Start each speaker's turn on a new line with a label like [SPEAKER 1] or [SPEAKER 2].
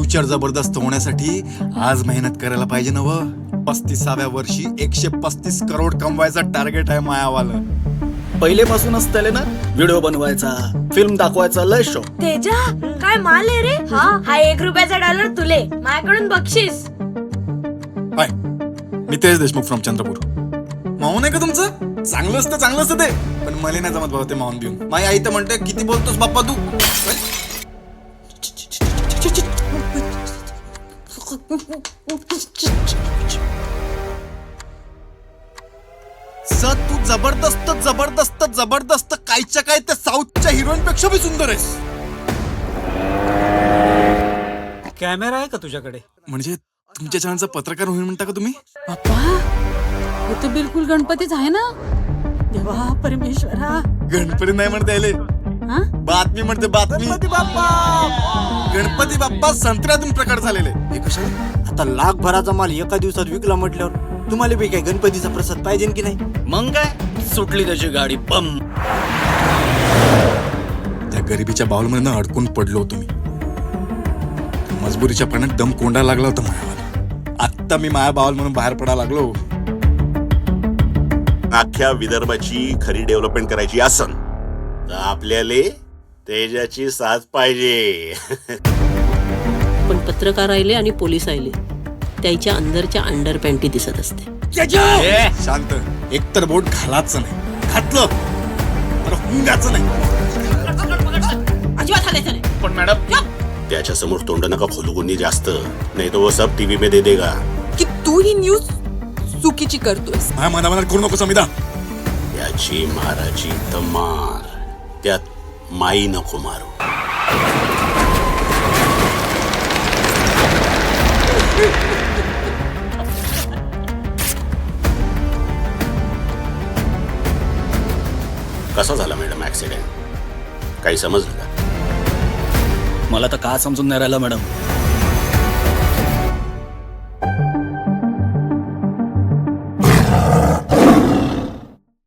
[SPEAKER 1] Future जबरदस्त होण्यासाठी आज मेहनत करायला पाहिजे ना व 35व्या वर्षी 135 करोड कमवायचा टार्गेट आहे मायावाला.
[SPEAKER 2] पहिलेपासूनच त्याला ना व्हिडिओ बनवायचा, फिल्म दाखवायचा लय शौक.
[SPEAKER 3] तेजा काय माल आहे रे. हा 1 रुपयाचा डॉलर तुले माझ्याकडून बक्षीस.
[SPEAKER 1] Hi, Mitesh Deshmukh from Chandrapur. माऊन आहे का तुमचं? चांगलं असतं ते, पण मला नाही जमत बाबा ते माऊन घेऊन. माझी आई तर म्हणते किती बोलतोस बाप्पा तू. सर तू जबरदस्त कायच्या काय त्या साऊथच्या हिरोईन पेक्षा भी सुंदर आहेस.
[SPEAKER 4] कॅमेरा आहे का तुझ्याकडे?
[SPEAKER 1] म्हणजे तुमच्या चॅनलचा पत्रकार होईल म्हणता का तुम्ही?
[SPEAKER 5] बाप्पा हे तर बिलकुल गणपतीच आहे ना. देवा परमेश्वरा.
[SPEAKER 1] गणपती नाही म्हणता यायले,
[SPEAKER 5] हा?
[SPEAKER 1] बातमी म्हणते बातमी. गणपती बाप्पा संत्र्यातून प्रकट झालेले. हे कशाला?
[SPEAKER 6] आता लाखभराचा माल एका दिवसात विकला म्हटल्यावर तुम्हाला बी काय गणपतीचा प्रसाद पाहिजे की नाही?
[SPEAKER 2] मग काय सुटली त्याची गाडी बम.
[SPEAKER 1] त्या गरिबीच्या बाउलमध्ये अडकून पडलो होतो मी. मजबुरीच्या पाण्यात दम कोंडायला लागला होता मायावाला. आत्ता मी माया बाउल म्हणून बाहेर पडायला लागलो.
[SPEAKER 7] अख्ख्या विदर्भाची खरी डेव्हलपमेंट करायची असन तर आपल्याला तेजाची साथ पाहिजे.
[SPEAKER 8] पण पत्रकार आले आणि पोलीस आले त्याच्या अंदरच्या अंडर पॅन्टी दिसत असते.
[SPEAKER 1] शांत. एकतर बोट घालायचं नाही, घातलं तर हुंगाचं नाही.
[SPEAKER 8] अजिबात हालायचं नाही.
[SPEAKER 2] पण मॅडम
[SPEAKER 7] त्याच्या समोर तोंड नका खोलू कोणी जास्त, नाही तो वो सब टीव्ही पे दे देगा.
[SPEAKER 5] की तू ही न्यूज चुकीची करतोयस.
[SPEAKER 1] माझ्या मनामनात करू नको समिता.
[SPEAKER 7] याची माराची तर मार, त्यात माई नको मारू. कसा झाला मॅडम ऍक्सिडेंट? काही समजलं का?
[SPEAKER 2] मला तर का समजून नाही राहिलं मॅडम.